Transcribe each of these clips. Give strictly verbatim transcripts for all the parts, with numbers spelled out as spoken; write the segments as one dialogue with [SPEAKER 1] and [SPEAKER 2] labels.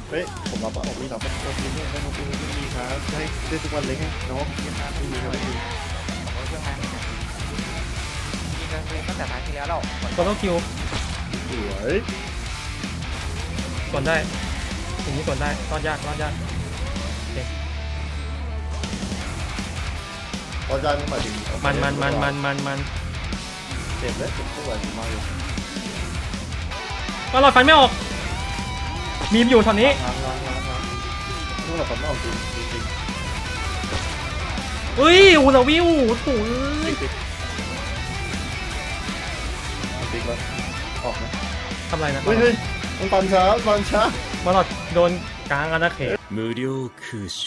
[SPEAKER 1] เฮ้ยผมรับว่าออกมีรับว่าตัวนี้เนี่ยได้มาดูไม่มีครับให้ได้ทุกวันเลยไงน้องไม่มีครับไม่มีไม่มี
[SPEAKER 2] ผมก็เครื่องงานยิงกันเลยตั้งแต่ท้ายที่แล้วเรา
[SPEAKER 3] ตัวต้องคิว
[SPEAKER 1] สวย
[SPEAKER 3] ส่วนได้ถึงนี้ส่วนได้รอดยากรอดยาก
[SPEAKER 1] ตอนจานนี่หมายถึง
[SPEAKER 3] มันมันมันมันมันมัน
[SPEAKER 1] เจ็บแล้วเจ็บตัวมาอยู่
[SPEAKER 3] ก็หลอดฟันไม่ออกมีมอยู่ตอนนี้
[SPEAKER 1] ล้างล้างล้างล้างนู่นเราคนนอกจริงจริงจริง
[SPEAKER 3] เฮ้ยอูลาวิวโถ่
[SPEAKER 1] จริงจริงจริงแล้วออกนะ
[SPEAKER 3] ทำไรนะ
[SPEAKER 1] เฮ้ยเฮ้ยมันปันช้าปันช้า
[SPEAKER 3] มาหลอดโดนกลางอาณาเขต
[SPEAKER 4] 無料空所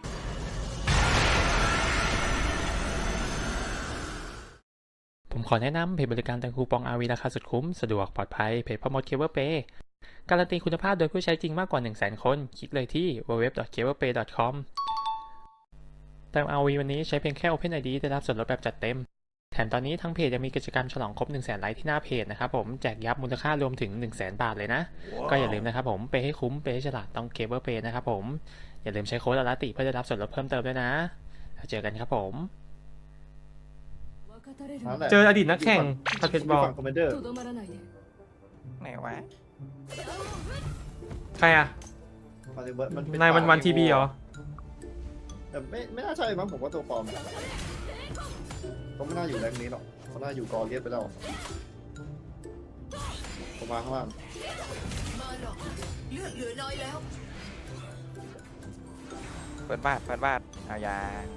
[SPEAKER 3] ผมขอแนะนำเพจบริการแต่งคูปอง อาร์ วี ราคาสุดคุ้มสะดวกปลอดภัยเพจพ่อมดเคเบิลเปย์การันตีคุณภาพโดยผู้ใช้จริงมากกว่า หนึ่งแสน คนคลิกเลยที่ ดับเบิลยู ดับเบิลยู ดับเบิลยู ดอท เคเบิลเปย์ ดอท คอม เติม อาร์ วี วันนี้ใช้เพียงแค่ Open ไอ ดี ได้รับส่วนลดแบบจัดเต็มแถมตอนนี้ทางเพจยังมีกิจกรรมฉลองครบ หนึ่งแสน ไลค์ที่หน้าเพจนะครับผมแจกยับมูลค่ารวมถึง หนึ่งแสน บาทเลยนะ wow. ก็อย่าลืมนะครับผมเปย์ให้คุ้มเปย์ให้ฉลาดต้องเคเบิลเปย์นะครับผมอย่าลืมใช้โค้ดอลาติเพื่อได้รับส่วนลดเพิ่มเติมด้วยนะแล้วเจอกันครับผมเจออดีตนักแข่งพัดเพชรบอล
[SPEAKER 1] คอมเมนเดอร์
[SPEAKER 2] ไหนวะ
[SPEAKER 3] ใครอะนายวันวันทีบีเหรอ
[SPEAKER 1] แต่ไม่ไม่น่าใช่มั้งผมว่าตัวปลอมเขาไม่น่าอยู่แรงนี้หรอกเขาน่าอยู่กอเลียสไปแล้วผมมาข้างล่าง
[SPEAKER 5] เลือดเหลือน้อยแล้ว
[SPEAKER 2] เปิดบาทเปิดบาทเอายา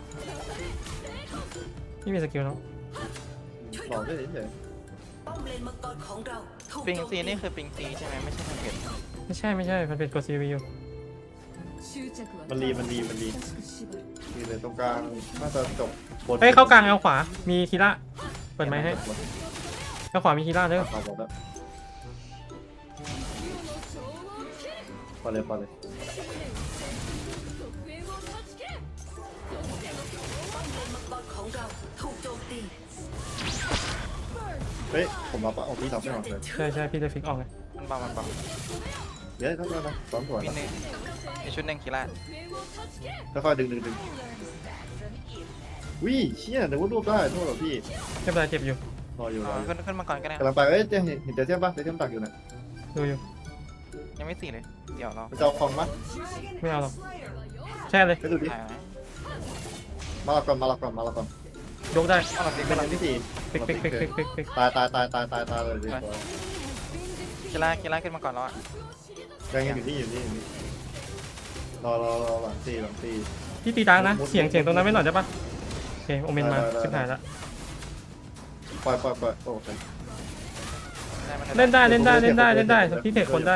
[SPEAKER 3] ไม่มีสกิลเนาะ
[SPEAKER 1] หลอกได้เฉย
[SPEAKER 5] ป้อมเลนมังกรของเราถูก
[SPEAKER 2] ปิง
[SPEAKER 5] โจม
[SPEAKER 2] ซีนี่คือปิงซีใช่ไหมไม่ใช่ทางเพจ
[SPEAKER 3] ไม่ใช่ไม่ใช่พัดเพชรกดซีวีอยู่
[SPEAKER 1] มันรีมันรีมันรีมีเลยตรงกลางน่าจะจบ
[SPEAKER 3] เฮ้ยเข้ากลางเอาขวามีคีระเปิดไม้ให้เอาขวามีคีระเด้อ
[SPEAKER 1] เอาหมดแล้วพอเลยพอเลย
[SPEAKER 5] ป้อมเลนมังกรของเราถูกโจมตี
[SPEAKER 1] เฮ้ยผมรับอ่ะออกพี่รับไม่ออกเลย
[SPEAKER 3] ใช่ใช่พี่เลยฟิกออกไง
[SPEAKER 2] มันเบามันเบา
[SPEAKER 1] เดี๋ยวทั้งนั้นนะสองส่วน
[SPEAKER 2] มีหนึ่งมีชุดหนึ่งกีฬา
[SPEAKER 1] ค่อยๆดึงดึงดึงวิ่งเชี่ยนึกว่ารวบได้โทษหรอพี่
[SPEAKER 3] ไม่เป็นไรเจ็บอยู่
[SPEAKER 1] รออยู่รออยู่
[SPEAKER 2] ขึ้นขึ้นมาก่อนก็ได้
[SPEAKER 1] กำลังไปเอ้ยเห็นเห็นเจ๊เทียมปะเจ๊เทียมตักอยู่นะ
[SPEAKER 3] ดูอยู่
[SPEAKER 2] ยังไม่สี่เลยเดี๋ยวเรา
[SPEAKER 1] มันจะเอาคองปะ
[SPEAKER 3] ไม่เอาหรอกแช่เลย
[SPEAKER 1] ไปดูดิ
[SPEAKER 2] ถ่ายนะ
[SPEAKER 1] มาหลับก่อนมาหลับก่อนมาหลับก่อน
[SPEAKER 3] ยกได้
[SPEAKER 2] เอาแบบนี้
[SPEAKER 1] เป็นอันที่สี่
[SPEAKER 3] ฟิกฟิกฟิกฟิกฟิกฟิก
[SPEAKER 1] ตายตายตายตายตายตายเลยดิ
[SPEAKER 2] กีฬากีฬาขึ้นมาก่อนแล้วอ่ะ
[SPEAKER 1] ยังอยู่นี่อยู่นี่อยู่นี่รอรอรอหลังสี่หลังสี่
[SPEAKER 3] พี่ตีดังนะเสียงเสียงตรงนั้นไม่หน่อยได้ปะโอเคโอเมนมาชิบหายละ
[SPEAKER 1] ปล่อยปล่อยปล่อยโอ้ย
[SPEAKER 3] เล่นได้เล่นได้เล่นได้เล่นได้พี่เทคคนได้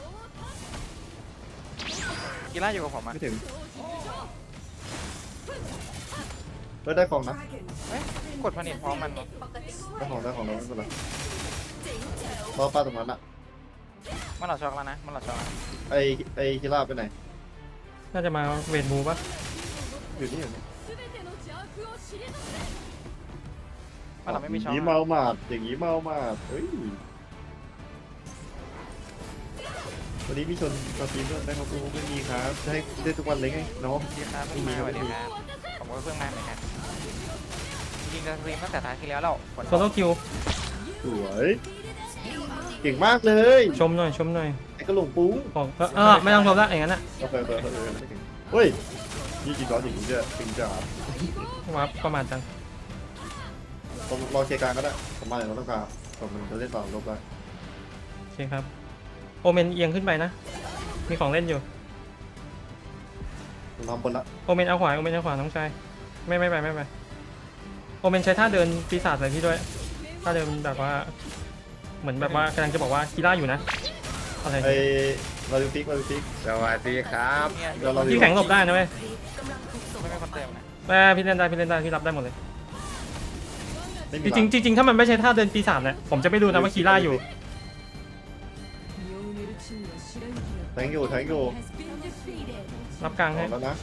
[SPEAKER 2] กีฬาอยู่กับผมอ่ะ
[SPEAKER 1] ไม่ถึงเฮ้ยได้ของนะ
[SPEAKER 2] กดผลิตพร้อมมัน
[SPEAKER 1] ได้ของได้ของเราไม่เป็นไรรอป้าตรงนั้นอะ
[SPEAKER 2] มันหลอดช็อกแล้วนะมันหลอดช็อก
[SPEAKER 1] ไอไอคิล่าไปไหน
[SPEAKER 3] น่าจะมาเวทบูปะ
[SPEAKER 1] อยู่นี่อยู่นี่
[SPEAKER 2] มันหลอดไม่มีช็อก
[SPEAKER 1] อย่างนี้เมาหมาดอย่างนี้เมาหมาดเฮ้ยวันนี้มีชนสตรีมด้วยนะครับกูไม่มีครับจะให้ได้ทุกวันเลยไงน้อง
[SPEAKER 2] ดีครับไม่มีสวัสดีครับผมก็เพิ่งมาเหมือนกันยิงกันสตรีมตั้งแต่ท้ายที่แล้วเรา
[SPEAKER 3] โซโล่คิว
[SPEAKER 1] สวยเก่งมากเลย
[SPEAKER 3] ชมหน่อยชมหน่อย
[SPEAKER 1] ไอ้กระหลงปุ้ง
[SPEAKER 3] ของเออไม่ต้องชมละอย่างนั้นอะ
[SPEAKER 1] โอเคโอเคโอเคไม่ถึงเฮ้ยยี่จีร้อนอย่างนี้จะจริงจัง
[SPEAKER 3] วับประมาทจัง
[SPEAKER 1] ผมรอเคลียร์การก็ได้ผมมาอย่างเราต้องการผมมันจะเล่นต่อลบได้
[SPEAKER 3] โอเคครับโอเมนเอียงขึ้นไปนะมีของเล่นอยู่
[SPEAKER 1] ผมทำบนละ
[SPEAKER 3] โอเมนเอาขวาโอเมนเอาขวาน้องชายไม่ไม่ไปไม่ไปโอเมนใช้ท่าเดินปีศาจใส่พี่ด้วยท่าเดินแบบว่าเหมือนแบบว่ากำลังจะบอกว่ากีฬาอยู่นะอะไร
[SPEAKER 1] ไอ้เราดูฟิกเราดูฟิก
[SPEAKER 4] สวัสดีครับ
[SPEAKER 2] เนี่ย
[SPEAKER 1] เดี๋ยวเรา
[SPEAKER 3] พี่แข็งหลบได้นะเว้ย
[SPEAKER 2] ไม่มีคนเติมนะ
[SPEAKER 3] แม่พี่เล่นได้พี่เล่นได้พี่รับได้หมดเลย
[SPEAKER 1] ไม่
[SPEAKER 3] จ
[SPEAKER 1] มี
[SPEAKER 3] ริงๆจริงๆถ้ามันไม่ใช่ท่าเดินปีศาจเนี่ยผมจะไม่รู้นะว่ากีฬาอยู่
[SPEAKER 1] แทงอยู่แทงอยู่
[SPEAKER 3] รับกลางให้
[SPEAKER 1] แล้วนะ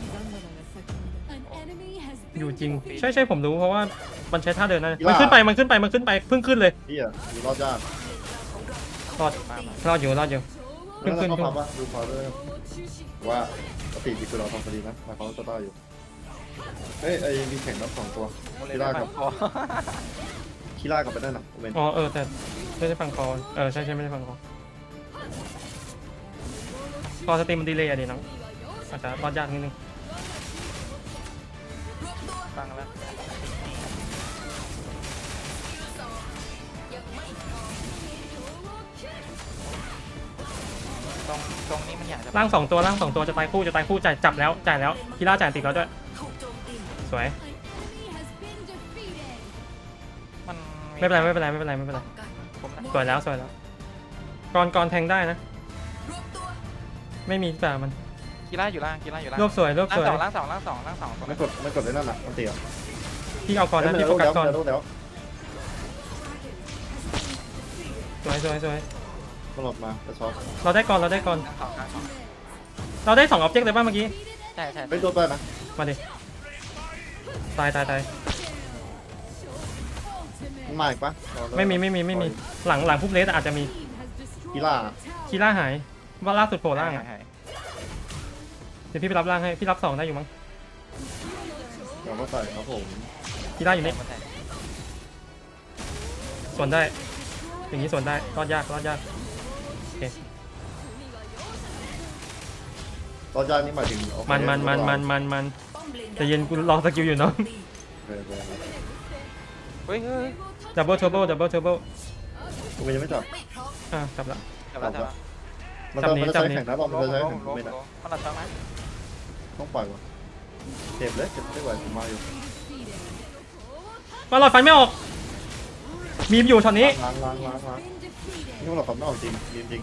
[SPEAKER 3] อยู่จริงใช่ใช่ผมรู้เพราะว่ามันใช้ท่าเดินนะมันขึ้นไปมันขึ้นไปมันขึ้นไปเพิ่งขึ้นเลย
[SPEAKER 1] พี่อ่ะอยู่รอดยาก
[SPEAKER 3] รอดรอดอยู่รอดอยู่
[SPEAKER 1] แล้วเราเข้าพับว่าดูพอด้วยว่าปกติที่คือเราทำคดีนะแต่เขาจะได้อยู่เฮ้ยไอ้มีแข่งรับสองตัว
[SPEAKER 2] โมเล
[SPEAKER 1] คี
[SPEAKER 2] ได้
[SPEAKER 1] ร่า
[SPEAKER 2] ปั
[SPEAKER 1] กับ
[SPEAKER 2] งคอ
[SPEAKER 1] คีร่ากับไปได้นะเวน
[SPEAKER 3] อ๋อเออแต่ไม่ได้ฟังคอเออใช่ใช่ไม่ได้ฟังคอคอสตรีมมันดีเลยอะดิน้องอาจจะรอดยากนิดนึง
[SPEAKER 2] ฟังแล้วตรงตรงนี้มันอยากจะ
[SPEAKER 3] ร่างสองตัวร่างสองตัวจะตายคู่จะตายคู่จ่ายจับแล้วจ่ายแล้วคีร่าจ่ายติดแล้วด้วย
[SPEAKER 5] ถูกโจมตี
[SPEAKER 3] สวย
[SPEAKER 2] มัน
[SPEAKER 3] ไม่เป็นไรไม่เป็นไรไม่เป็นไรไม่เป็นไร
[SPEAKER 5] กัน
[SPEAKER 2] ผมนะ
[SPEAKER 3] สวยแล้วสวยแล้วก่อนก่อนแทงได้นะ
[SPEAKER 5] รวบตัว
[SPEAKER 3] ไม่มีแบบมัน
[SPEAKER 2] กีฬาอยู่ล่างกีฬาอยู่ล่าง
[SPEAKER 3] รวบสวยรวบ
[SPEAKER 2] ล่าง
[SPEAKER 3] สวย
[SPEAKER 2] สองล่างสองล่างสองล่างสองตรง
[SPEAKER 1] ไม่
[SPEAKER 2] นั้น
[SPEAKER 1] กดไม่กดได้นั่นน่ะมันเตีย
[SPEAKER 3] พี่เอาก่อนนะพี่โฟกัสก่อน
[SPEAKER 1] เดี๋ยวเดี๋ยว
[SPEAKER 3] สวยสวยสวย
[SPEAKER 1] มันหลบมาจะช็อต
[SPEAKER 3] เราได้ก่อนเราได้ก่อน
[SPEAKER 2] ล่างสองล่างสอง
[SPEAKER 3] เราได้สองออบเจกต์เลยป่ะเมื่อกี้
[SPEAKER 2] ใช่ใช่
[SPEAKER 1] ไม่ตัวไปนะ
[SPEAKER 3] มาดิตายตายตาย
[SPEAKER 1] มันมาอีกปะ
[SPEAKER 3] ไม่มีไม่มีไม่มีหลังหลังพุ่มเลสอาจจะมี
[SPEAKER 1] กีฬา
[SPEAKER 3] คีร่าหายว่าล่าสุดโผล่ล่างอะ
[SPEAKER 2] หาย
[SPEAKER 3] เดี๋ยวพี่ไปรับล่างให้พี่รับสองได้อยู่มั้ง
[SPEAKER 1] เดี๋ยวก็ใส่ครับผม
[SPEAKER 3] คีร่าอยู่นี่
[SPEAKER 2] หายหาย
[SPEAKER 3] ส่วนได้ อย่างนี้ส่วนได้รอดยากรอดยากโอเค
[SPEAKER 1] ตอนยากนี่หมายถึง
[SPEAKER 3] มันมันมันมันมันมัน
[SPEAKER 5] ป้อมเลน
[SPEAKER 3] แต่เย็นกูรอสกิลอยู่เนาะ
[SPEAKER 2] เฮ้ยเฮ้ย
[SPEAKER 3] ดับเบิลเทอร์โบดับเบิลเทอร์โบ
[SPEAKER 1] กูยังไม่จับ
[SPEAKER 5] ไม่พร้อม
[SPEAKER 3] อ่ะจับละ
[SPEAKER 2] จับแล้วจับแล้ว
[SPEAKER 1] มันจะมันจะใช้แข่งนะบอลมัน
[SPEAKER 2] ล้ม
[SPEAKER 1] จะใช้
[SPEAKER 2] ล้ม
[SPEAKER 1] แข่ง
[SPEAKER 2] ล้ม
[SPEAKER 1] ไม่ได้
[SPEAKER 2] ล้มมันหลับซ้ำไหม
[SPEAKER 1] ต้องปล่อยวะเจ็บเลยเจ็บไม่ไหวผมมาอยู่
[SPEAKER 3] มาหลอดไฟไม่ออกมีมอยู่ช็อตนี้
[SPEAKER 1] ล้างล้างล้างล้างนี่มันหลอกความไม่ออกจริงจริงจริง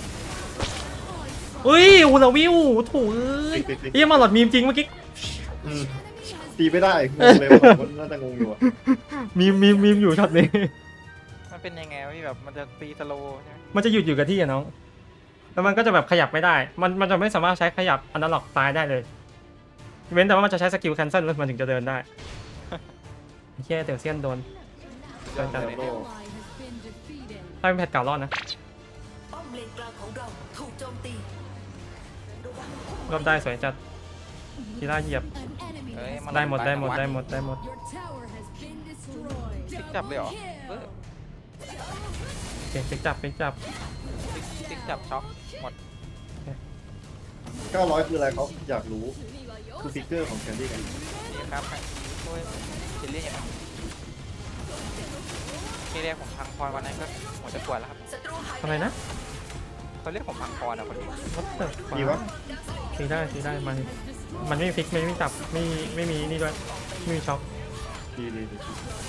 [SPEAKER 3] อุ้ยอูเราวิวถูเอ้ย
[SPEAKER 1] ติ๊กติ๊กติ๊ก
[SPEAKER 3] เฮียมาหลอดมีมจริงเมื่อกี้
[SPEAKER 1] อืมตีไม่ได้งงเลยว่าผมน่าจะงงอยู่อะ
[SPEAKER 3] มีมมีมมีมอยู่ช็อตนี้
[SPEAKER 2] มันเป็นยังไงวะพี่แบบมันจะตีสโลว์ใช่ไหม
[SPEAKER 3] มันจะหยุดอยู่กับที่อะน้องแล้วมันก็จะแบบขยับไม่ได้ มันมันจะไม่สามารถใช้ขยับอนาล็อกซ้ายได้เลยเว้นแต่ว่ามันจะใช้สกิลแคนเซิลแล้วมันถึงจะเดินได้เฮียเดี๋ยวเซียนโดน
[SPEAKER 2] ยอดเลย
[SPEAKER 1] โล
[SPEAKER 2] เนี่ย
[SPEAKER 3] ถ้าเป็นแพทเก่ารอดนะ
[SPEAKER 5] ป้อมเลนกลางของเราถูกโจมตีระวัง
[SPEAKER 3] รอบได้สวยจัดคีร่าเหยียบ
[SPEAKER 2] เอ้ยน
[SPEAKER 3] ได้หมดได้หมดได้หมดได้หมด
[SPEAKER 2] ติ๊กจับเลยเหรอเออ
[SPEAKER 3] โอเคปิกจับปิกจับ
[SPEAKER 2] ติ๊กติ๊กจับช็อกหมด
[SPEAKER 1] เก้าร้อยคืออะไรเขาอยากรู้คือฟิกเกอร์ของแคนดี้ไง
[SPEAKER 2] นี่ครับให้ช่วยเจลลี่อย่างที่เรียกผมพังพรวันนั้นก็หมดจะปวดแล้วครับ
[SPEAKER 5] ศัตรูหาย
[SPEAKER 3] อะไรนะ
[SPEAKER 2] เขาเรียกผมพังพรอ่ะคนนี้
[SPEAKER 3] วัดเตอร์
[SPEAKER 1] ดีวะ
[SPEAKER 3] ตีได้ตีได้มันมันไม่มีฟิกไม่มีจับไม่มีไม่มีนี่ด้วยไม่มีช็อค
[SPEAKER 1] ดีดีดี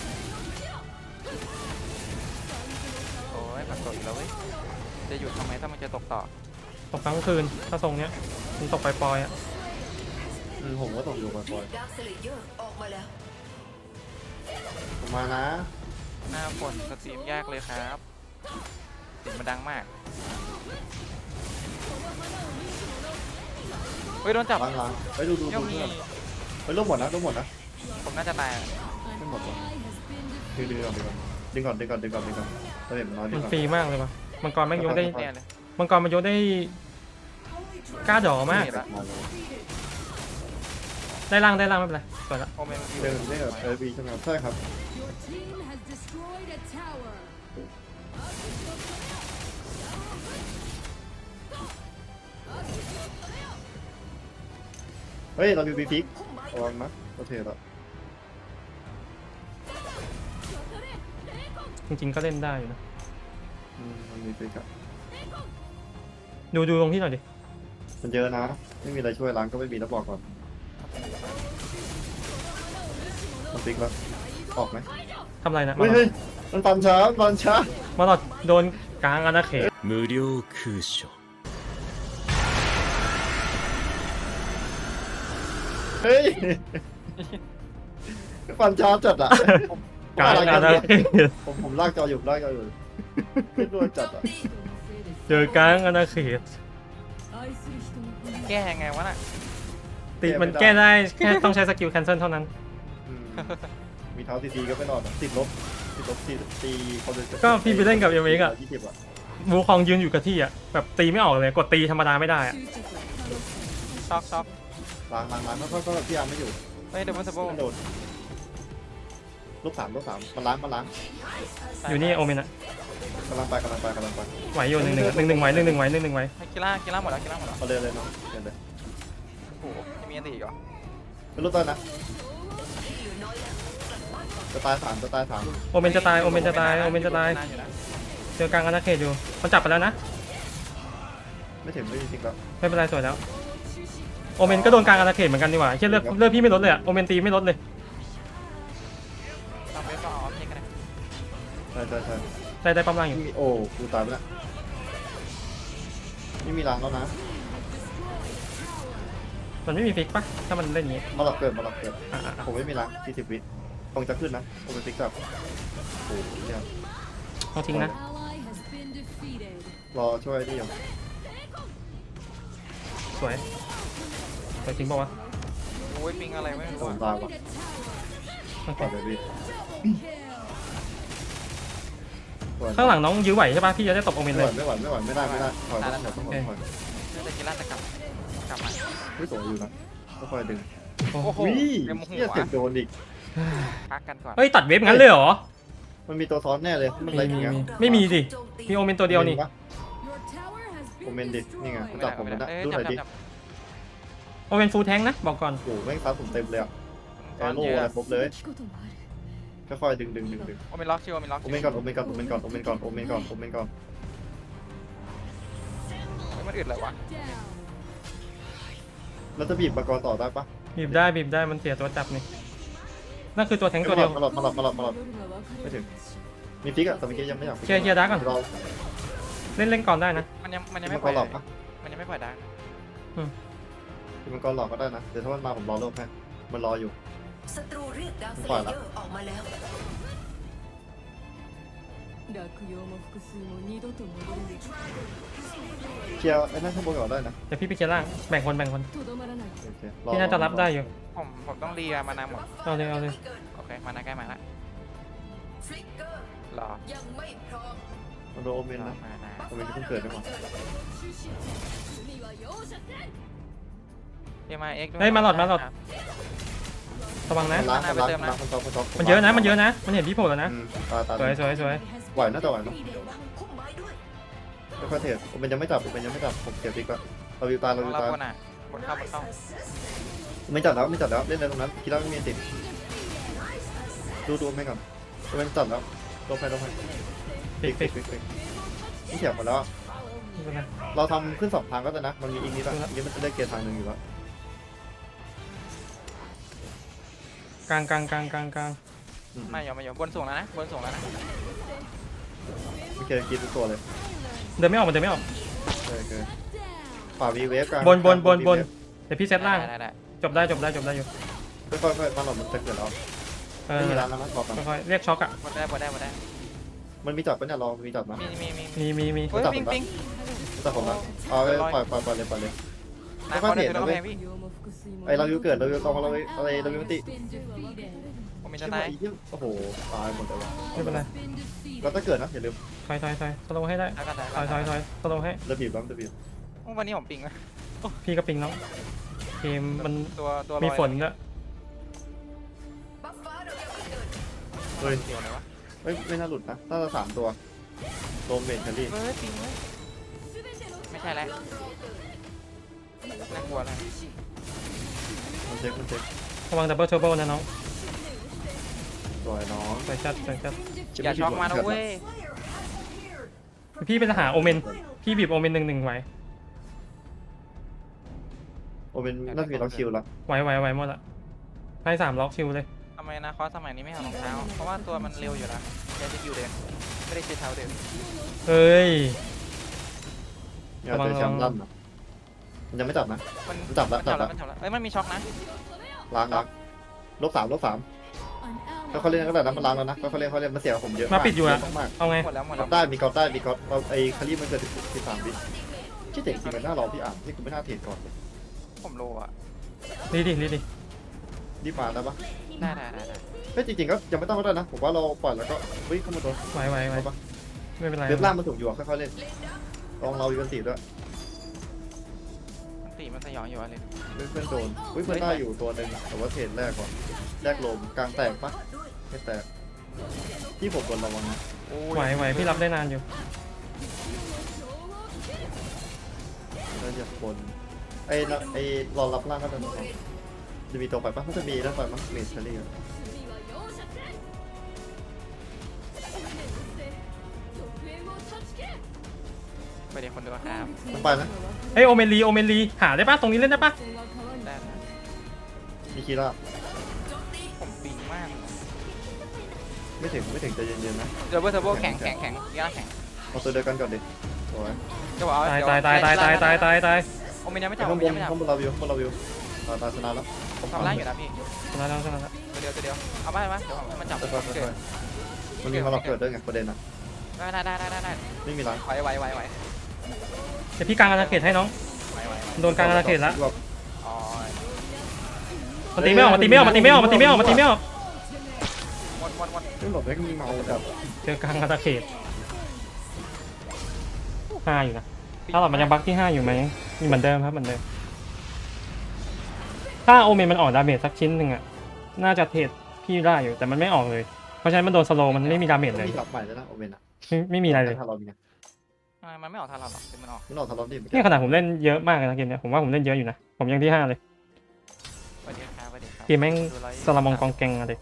[SPEAKER 2] โอ้ยมันตกอีกแล้วเว้ยจะหยุดทำไมถ้ามันจะตกต่อ
[SPEAKER 3] ตกกลางคืนถ้าทรงเนี้ยมันตกไปปลอยๆอ่ะ
[SPEAKER 1] อืมผมก็ตกอยู่บ่อย
[SPEAKER 5] ดาร์คเซเลเยอร์ออกมาแล้ว
[SPEAKER 1] ๆผมมานะ
[SPEAKER 2] หน้าฝนสตรีมยากเลยครับเสียงมันดังมากเฮ้ยโดนจับ
[SPEAKER 1] ล้างล้างไปดูดู
[SPEAKER 2] ย่อ
[SPEAKER 1] ดู
[SPEAKER 2] มมี
[SPEAKER 1] เพื่อนไปร่วมหมดนะร่วมหมดนะ
[SPEAKER 2] ผมน่าจะตายอะ
[SPEAKER 1] ไม่หมดหรอกดึงดึงก่อนดึงก่อนดึงก่อนดึงก่อนดึงก่อนดึงก่อนเราเห็นมันน้อยดึ
[SPEAKER 3] มั
[SPEAKER 1] ง
[SPEAKER 3] น
[SPEAKER 1] ก่อน
[SPEAKER 3] ฟรีมากเลยว่ะมังกรแม่งยกได้
[SPEAKER 2] แน่เลย
[SPEAKER 3] มังกรมันยกได้กล้าดอมาก
[SPEAKER 2] เห็นละ
[SPEAKER 1] มาเลย
[SPEAKER 3] ได้ล่างได้ล่างไม่เป็นไรสวยละ
[SPEAKER 2] โอเมน
[SPEAKER 1] เดินได้แบบเออบีใช่ไหมครับใช่ครับ เฮ้ยเรามีบีพิกระวังนะโอเคแล้ว
[SPEAKER 3] จริงๆก็เล่นได้อยู่นะ
[SPEAKER 1] อืมมันมีพิกอะ
[SPEAKER 3] ดูดูตรงที่หน่อยดิ
[SPEAKER 1] มันเยอะนะไม่มีอะไรช่วยล้างก็ไม่มีแล้วบอกก่อนมันพิกแล้วออกไหม
[SPEAKER 3] ทำอะไรนะ
[SPEAKER 1] เฮ้ยเฮ้ยมันปันช้าปันช้า
[SPEAKER 3] มาหลอดโดนกลางอาณาเขต
[SPEAKER 4] 無料空所
[SPEAKER 1] เฮ้ยปันช้าจัดอะ
[SPEAKER 3] กลางอาณาเขต
[SPEAKER 1] ผมผมลากจออยู่ลากจออยู่ไม่ด้วยจัดอะ
[SPEAKER 3] เจอกลางอาณาเขต
[SPEAKER 2] แก้ยังไงวะน่ะ
[SPEAKER 3] ติมันแก้ได้แค่ต้องใช้สกิลแคนเซิลเท่านั้น
[SPEAKER 1] อืมมีเท้าตีๆก็ไม่รอดอะติดลบติดลบตีตีเขาเลย
[SPEAKER 3] ก็พี่ไปเล่นกับเอเมกอะ
[SPEAKER 1] ยี่สิบอะ
[SPEAKER 3] วูคองยืนอยู่กับที่อ่ะแบบตีไม่ออกเลยกดตีธรรมดาไม่ได้อ่ะ
[SPEAKER 2] ช็อกช็อก
[SPEAKER 1] ล้างล้างล้างก็ก็พี่อาร์มไม่อยู่
[SPEAKER 2] เฮ้ยเดบันสโบ
[SPEAKER 1] มันโดนลูกสามลูกสามมันล้างมันล้าง
[SPEAKER 3] อยู่นี่โอเมนอ่ะ
[SPEAKER 1] กำลังไปกำลังไปกำลังไป
[SPEAKER 3] ไหวอยู่หนึ่งหนึ่งหนึ่งหนึ่งไหวหนึ่งหนึ่งไหวหนึ่งหนึ่งไหว
[SPEAKER 2] ให้กีฬากีฬาหมดแล้วกีฬาหมดแล้ว
[SPEAKER 1] เอาเลยเลยเนาะเดี๋ยวเลย
[SPEAKER 2] โอ้โหยังมีอันตีอีกเหรอ
[SPEAKER 1] ไม่รู้ต้นนะจะตายสามจะตายสาม
[SPEAKER 3] โอเมนจะตายโอเมนจะตายโอเมนจะตายเจอกลางอาณาเขตอยู่มันจับไปแล้วนะ
[SPEAKER 1] ไม่ถึงไม่จริงๆแล้ว
[SPEAKER 3] ไม่เป็นไรสวยแล้วโอเมนก็โดนกลางอาณาเขตเหมือนกันดีกว่าเชื่อเลือดเลือดพี่ไม่ลดเลยอ่ะโอเมนตีไม่ลดเลย
[SPEAKER 2] ต้องไปก็ออฟเช็คกันนะ
[SPEAKER 1] ใช่ใช่ใช่
[SPEAKER 3] ได้ได้ปั๊มล่างอยู่
[SPEAKER 1] มีโอ้กูตายไปแล้วนี่มีล้างแล้วนะ
[SPEAKER 3] มันไม่มีฟิกปะถ้ามันเล่นอย่างงี้
[SPEAKER 1] มาหลอกเกิดมาหลอกเกิด
[SPEAKER 3] อ่ะอ่ะอ่ะ
[SPEAKER 1] ผมไม่มีล้างสี่สิบวิคงจะขึ้นนะผมเป็นฟิกกับโอ้โหเนี่ย
[SPEAKER 3] เอาทิ้งนะ
[SPEAKER 1] รอช่วยนี่อยู่
[SPEAKER 3] สวยสวยจริงป่าวะ
[SPEAKER 2] โอ้ยปิงอะไรไม่รู้
[SPEAKER 1] ผม
[SPEAKER 2] อะ
[SPEAKER 1] ตายว่ะ
[SPEAKER 3] โอเค
[SPEAKER 1] ต่อเลยพี่
[SPEAKER 3] ข้างหลังน้องยื้อไหวใช่ปะพี่จะได้ตบโอเมน
[SPEAKER 1] ไม่
[SPEAKER 3] เล
[SPEAKER 1] ไหวย ไม่ไหวไม่ไหวไม่ได้ไม่ได้ถอยต้องถอยต้องถอยถอย
[SPEAKER 2] แต่กีฬาจะกลับกลับมา
[SPEAKER 1] ไม่สวยอยู่นะก็ค่อยดึง
[SPEAKER 3] โอ้
[SPEAKER 2] โอ้โห
[SPEAKER 1] วิ
[SPEAKER 2] เต็มหั
[SPEAKER 1] เฮียว เสียบโดนอีก
[SPEAKER 2] พักกันก่อน
[SPEAKER 3] เฮ้ยตัดเวฟงั้นเลยเหรอ
[SPEAKER 1] มันมีตัวซ้อนแน่เลยมันอะไรอย่างเงี้ย
[SPEAKER 3] ไม่มีดิมีโอเมนตัวเดียวนี่
[SPEAKER 1] โอเมนดินี่ไง
[SPEAKER 2] ไม่
[SPEAKER 1] จั
[SPEAKER 2] ได้
[SPEAKER 1] บผม
[SPEAKER 2] ไม่
[SPEAKER 1] ไม่
[SPEAKER 2] ได้
[SPEAKER 1] ได้
[SPEAKER 2] เอ้ย
[SPEAKER 1] ดูห
[SPEAKER 2] จั
[SPEAKER 1] น่
[SPEAKER 2] บ
[SPEAKER 1] อยดิ
[SPEAKER 2] จับ
[SPEAKER 3] โอเมนฟูลแทงนะบอกก่อน
[SPEAKER 1] โอ้โหแม่งซับผมเต็มเลยอะ
[SPEAKER 2] ต
[SPEAKER 1] แอ
[SPEAKER 2] อน
[SPEAKER 1] โร่
[SPEAKER 2] เย
[SPEAKER 1] อะไร
[SPEAKER 2] อะ
[SPEAKER 1] ครบเลยค่อยๆดึงดึงดึงดึง
[SPEAKER 2] โอเมนล็อกชิวโอเมนล็อก
[SPEAKER 1] โอเมนก่อนโอเมนก่อนโอเมนก่อนโอเมนก่อนโอเมนก่อนโอเมนก่อน
[SPEAKER 2] มันอึดเลยวะ
[SPEAKER 1] แล้วจะบีบมังกรต่อได้ปะ
[SPEAKER 3] บีบได้บีบได้มันเสียตัวจับนี่นั่นคือตัวแทงตัวเดียว
[SPEAKER 1] มาหลอดมาหลอดมาหลอดมาหลอดไม่ถึงมีฟิกอะแต่เมื่อกี้ยังไม่อยาก
[SPEAKER 3] เคลียร์เคลียร์ดาร์กก่อน
[SPEAKER 1] รอ
[SPEAKER 3] เล่นเล่นก่อนได้นะ
[SPEAKER 2] มันยังมันยัง
[SPEAKER 1] มั
[SPEAKER 2] ไม่
[SPEAKER 1] ง
[SPEAKER 2] ป
[SPEAKER 1] ก
[SPEAKER 2] ล่อ
[SPEAKER 1] ร
[SPEAKER 2] ย
[SPEAKER 1] หลอกปะ
[SPEAKER 2] มันยังไม่ปล่อยดัง
[SPEAKER 1] มังกรหลอกก็ได้นะเดี๋ยวถ้ามันมาผมรอเริ่มให้มันรออยู่
[SPEAKER 5] ศัตรูเรียกดาวเซ
[SPEAKER 1] ปล่อย
[SPEAKER 5] เล
[SPEAKER 1] ละ
[SPEAKER 5] เยอร์ออกมาแล้ว
[SPEAKER 1] เคลียร์ไอ้นั่นข้างบนก่อนได้นะ
[SPEAKER 3] เดี๋ยวพี่ไปเคลียร์ล่างแบ่งคนแบ่งคน
[SPEAKER 1] โอเค
[SPEAKER 3] พี่น่าจะรับได้อยู่
[SPEAKER 2] ผมผมต้องรีมานานหมด
[SPEAKER 3] เอาเลยเอาเลย
[SPEAKER 2] โอเคมานาใกล้มาละ
[SPEAKER 5] ฟลิกเกอร์
[SPEAKER 2] รอ
[SPEAKER 5] ยังไม่พร้อม
[SPEAKER 1] มันโดนโอเมน
[SPEAKER 2] รอ
[SPEAKER 1] นะ
[SPEAKER 2] มานา
[SPEAKER 1] โอเมนที่เพิ่งเกิดได้หมด
[SPEAKER 2] เอ็มไอเอ็ก
[SPEAKER 3] เฮ้ยมาหลอดมาหลอดระวังนะ
[SPEAKER 1] มันล้างมันล้างมันล้างมันล้างมันล้าง
[SPEAKER 3] มันเยอะนะมันเยอะนะมันเห็นพี่โผล่แล้วนะ
[SPEAKER 1] อืมตาตา
[SPEAKER 3] สวยสวยสวย
[SPEAKER 1] ไหวน่าจะไหวเนาะ
[SPEAKER 5] พุ่มไม้ด้วย
[SPEAKER 1] ค่อยๆเทรดโอเมนยังไม่จับโอเมนยังไม่จับผมเก็บฟิกก่อนเราวิวตาเราวิว
[SPEAKER 2] เรา
[SPEAKER 1] ตา
[SPEAKER 2] บนอ่ะบนเข้าบนเข้า
[SPEAKER 1] ไม่จับแล้วไม่จับแล้วเล่นอะไรตรงนั้นคิดว่าไม่มีติดดูดูไม่ก่อนไม่จับแล้วลงไปลงไป
[SPEAKER 3] ฟิกฟิก
[SPEAKER 1] ฟิกฟิกนี่เสียบหมดแล้ว
[SPEAKER 3] ไม่เป็นไร
[SPEAKER 1] เราทำขึ้นสองทางก็ได้นะมันมีอีกนิดละอีกนิดมันจะได้เกียร์ทางหนึ่งอยู่แล้ว
[SPEAKER 3] กลางกลางกลางกลางกลาง
[SPEAKER 2] ไม่ยอมไม่ยอมบนสูงแล้วนะบนสูงแล้วนะ
[SPEAKER 1] โอเคกินทุกตัวเลย
[SPEAKER 3] เดินไม่ออกมันเดินไม่ออก
[SPEAKER 1] โอเคฝ่าวีเวฟกลาง
[SPEAKER 3] บนบนบนบนเดี๋ยวพี่เซตล่าง
[SPEAKER 2] ได้ได้
[SPEAKER 3] จบได้จบได้จบได้อยู่
[SPEAKER 1] ค่อยๆค่อยๆมาหลอดมันจะเกิดแล้ว
[SPEAKER 3] เออ
[SPEAKER 1] ไม่มีร้านแล้วนะบอกกัน
[SPEAKER 3] ค่อยๆเรียกช็อกอ่ะ
[SPEAKER 2] บนได้บนได้บนได้
[SPEAKER 1] มันมีจับปะเนี่ยรอมีจับนะ
[SPEAKER 2] มีมีมี
[SPEAKER 3] มีมีมี
[SPEAKER 2] เฮ้ยปิงปิง
[SPEAKER 1] จับผมนะเอาไปปล่อยปล่อยปล่อยเลยปล่อยเลย
[SPEAKER 2] นาคอนเดี๋ยวต้องแพ้พี่
[SPEAKER 1] ไอเราวิวเกิดเราวิวกองเราอะไรเราวิวติ
[SPEAKER 2] ผมมี
[SPEAKER 1] ใช่
[SPEAKER 2] จะ
[SPEAKER 1] ไหม
[SPEAKER 2] ตาย
[SPEAKER 1] โอ้โหตายหมดเลยวะ
[SPEAKER 3] ไม่เป็นไร
[SPEAKER 1] เราจะเกิดนะอย่าลืม
[SPEAKER 3] ถอยถอยถอยสโลว์ให้ได้
[SPEAKER 2] แล้วก็ตาย
[SPEAKER 3] ถอยถอยถอยสโลว์ให้
[SPEAKER 1] ระบีบบ้างระบีบ
[SPEAKER 2] วันนี้ผมปิงนะ
[SPEAKER 3] พี่ก็ปิงแล้วเกมมัน
[SPEAKER 2] ตัวตัว
[SPEAKER 3] มีฝนด้วย
[SPEAKER 5] บัฟฟ้าเรายังไม่เกิด
[SPEAKER 1] เฮ้ย
[SPEAKER 2] เดียวเลยวะ
[SPEAKER 1] ไม่ไม่น่าหลุดนะน่าจะสามตัวโดมเมนแคลรี่
[SPEAKER 2] เฮ้ยปิงเว้ยไม่ใช่แล้วน่ากลัวเลย
[SPEAKER 1] มันเช็คมันเช็ค
[SPEAKER 3] ระวังดับเบิลเทอร์โบนะน้อง
[SPEAKER 1] สวยน้อง
[SPEAKER 3] สวยจัดสวยจัด
[SPEAKER 2] อย่าช็อกมานะเว้ย
[SPEAKER 3] พี่เป็นทหารโอเมนพี่บีบโอเมนหนึ่งหนึ่งไหว
[SPEAKER 1] โอเป็นน่าจะมีล็อกคิวแล้ว
[SPEAKER 3] ไหวไหวไหวหมดละให้สามล็อกคิวเลย
[SPEAKER 2] ทำไมนะคอสสมัยนี้ไม่เอารองเท้าเพราะว่าตัวมันเร็วอยู่แล้วแค่จะคิวเดินไม่ได้ใช้เท้าเดิน
[SPEAKER 3] เฮ้ย
[SPEAKER 1] เนี่ยเจอแชมป์ลั่นอะมันยังไม่จับนะ
[SPEAKER 2] มัน
[SPEAKER 1] มันจับแล้ว
[SPEAKER 2] จั
[SPEAKER 1] จั
[SPEAKER 2] บบ แล้
[SPEAKER 1] แล้ว ว
[SPEAKER 2] มันจับแล้วเอ้ยมันมีช็อกนะ
[SPEAKER 1] ล้างล้างลบสามลบสามแล้วเขาเล่นก็ได้นะมันล้างแล้วนะเขาเล่นเขาเล่นมันเสียผมเยอะ
[SPEAKER 3] มาปิดอยู่อะ
[SPEAKER 1] เะมาก
[SPEAKER 3] เอาไง
[SPEAKER 2] หมดแล้วหมด
[SPEAKER 1] ก
[SPEAKER 2] แล้
[SPEAKER 1] อ
[SPEAKER 2] ว
[SPEAKER 1] ดได้มีกอดได้มีกอดเราไอ้คารีมันเกิดสิบสามวิคิดเด็กจริงมันน่ารอพี่อ่านที่กูไม่น่าเทรดก่อน
[SPEAKER 2] ผมโลอ่ะ
[SPEAKER 3] รีดิรีดิ
[SPEAKER 1] รีบมาได้ปะ
[SPEAKER 2] ได้ได้ได้ได้
[SPEAKER 1] เฮ้ยจริงๆก็ยังไม่ต้องก็ได้นะผมว่าเราปล่อยแล้วก็วิ่งเข้ามาโดน
[SPEAKER 3] ไหวไหวไหว
[SPEAKER 1] เอาปะ
[SPEAKER 6] ไม่เป็นไร
[SPEAKER 1] เว็บล่างมันถูกอยู่อะค่อยๆเล่นลองเราอยู่กันตีด้วย
[SPEAKER 2] มันตีมันสยองอยู่อะไร
[SPEAKER 1] เพื่อนเพื่อนโดนอุ้ยเพื่อนได้อยู่ตัวหนึ่งแต่ว่าเทรดแรกก่อนแรกลมกลางแตกปะไม่แตกที่ผมกดระวังนะ
[SPEAKER 2] โอ้
[SPEAKER 6] ไหวย ไหวพี่รับได้นานอยู่
[SPEAKER 1] แล้วจะบนไอ้นะไอ้รอรับล่างก็จะมีจะมีตัวไปปะมันจะมีแล้วไปมั้งเมทเชอรี่อะ
[SPEAKER 2] ไปเดี๋ยวคนดูครับ
[SPEAKER 1] มันไปนะ
[SPEAKER 6] เอ้ยโอเมนลีโอเมนลีหาได้ปะตรงนี้เล่นได้ปะ
[SPEAKER 2] ได้นะ
[SPEAKER 1] มีคีร่า
[SPEAKER 2] ผมปิงมาก
[SPEAKER 1] ไม่ถึงไม่ถึงใจเย็นๆนะ
[SPEAKER 2] เดี๋ยวเบอร์เทอร์โบแข็งแข็งแข็งย่าแข็ง
[SPEAKER 1] เอาตัวเดียวกันก่อนดิโอ้ย
[SPEAKER 2] จะบอก
[SPEAKER 6] ตายตายตายตายตายตายตายตาย
[SPEAKER 2] โอเมนยังไม่จับ
[SPEAKER 1] ข้า
[SPEAKER 2] โอง เม
[SPEAKER 1] บ
[SPEAKER 2] น
[SPEAKER 1] น
[SPEAKER 2] ยังไม่จับ
[SPEAKER 1] ข้างบนเราวิวข้างบนเราวิวตาตาชนะแล้ว
[SPEAKER 2] ผมทำร่างอยู่นะพี่
[SPEAKER 6] ชนะแล้วชนะแล้ว
[SPEAKER 2] ตัวเดียวตัวเดียวเอาไปไหมเดี๋ยวผมมันจับ
[SPEAKER 1] ค่อยๆ
[SPEAKER 2] เกิด
[SPEAKER 1] ค่อยๆมันมีมาเราเกิดด้วยไงประเด็นอะ
[SPEAKER 2] ได้ได้ได้ได้ได้
[SPEAKER 1] ไม่มีล้าง
[SPEAKER 2] ไหวไหวไหวไหว
[SPEAKER 6] เดี๋ยวพี่กลางอาณาเขตให้น้อง
[SPEAKER 2] ไหวไหว
[SPEAKER 6] โดนกลางอาณาเขตแล้ว
[SPEAKER 2] อ๋อ
[SPEAKER 6] มันตีไม่ออกมันตีไม่ออกมันตีไม่ออกมันตีไม่ออกมันตีไม่ออก
[SPEAKER 2] หมดหมดหมด
[SPEAKER 1] ไม่หลบได้มีเมาแบบ
[SPEAKER 6] เจอกลางอาณาเขตห้าอยู่นะถ้าเรามันยังบั๊กที่ห้าอยู่ไหมมีเหมือนเดิมครับเหมือนเดิมถ้าโอเมนมันออกดาเมจสักชิ้นหนึ่งอะน่าจะเทรดพี่ได้อยู่แต่มันไม่ออกเลยเพราะฉะนั้นมันโดนสโลว์มันไม่มีดาเมจเลย
[SPEAKER 1] มีหลับใหม่แล้วนะโอเวนอะ
[SPEAKER 6] ไม่ไม่มีอะไรเลย
[SPEAKER 1] ทารอนไง
[SPEAKER 2] มันไม่ออกทางเราหรอกมันออก
[SPEAKER 1] มันออกทารอนดิ
[SPEAKER 6] นี่ขนาดผมเล่นเยอะมากเลยนะเกมเนี้ยผมว่าผมเล่นเยอะอยู่นะผมยังที่ห้าเลย
[SPEAKER 2] สวัสดีครับสวัสดีครับ
[SPEAKER 6] เกมแม่งสลัมมองกองแกงอะเลย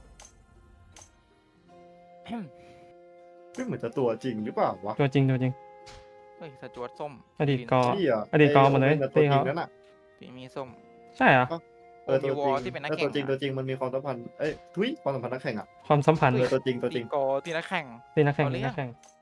[SPEAKER 1] ไม่เหมือนจะตัวจริงหรือเปล่าวะ
[SPEAKER 6] ตัวจริงตัวจริง
[SPEAKER 2] เฮ้ยสจวตส้ม
[SPEAKER 6] อดีตกอ
[SPEAKER 1] พี่อะ
[SPEAKER 6] อดีตกองหมดเลย
[SPEAKER 1] ตัวจ
[SPEAKER 6] ตี
[SPEAKER 1] ริง
[SPEAKER 6] เขา
[SPEAKER 1] นั่นน่ะ
[SPEAKER 2] ปีมีส้ม
[SPEAKER 6] ใช่เหรอ
[SPEAKER 1] เออตัว
[SPEAKER 2] มีว
[SPEAKER 1] จ
[SPEAKER 2] อ
[SPEAKER 1] ริ
[SPEAKER 2] ล
[SPEAKER 1] ง
[SPEAKER 2] ที่เป็นนัก
[SPEAKER 1] เออ
[SPEAKER 2] แข่
[SPEAKER 1] ตัว
[SPEAKER 2] ง
[SPEAKER 1] จริงตัวจริงมันมีความสัมพันธ์เอ้ยทุยความสัมพันธ์นักแข่งอะ
[SPEAKER 6] ความสัมพันธ์
[SPEAKER 1] เออตัวจริงตัวจริง
[SPEAKER 2] โกที่นักแข่ง
[SPEAKER 6] ตีนักแข่ง
[SPEAKER 2] เอา
[SPEAKER 6] ตี
[SPEAKER 2] เรื่อง
[SPEAKER 6] นักแข่ง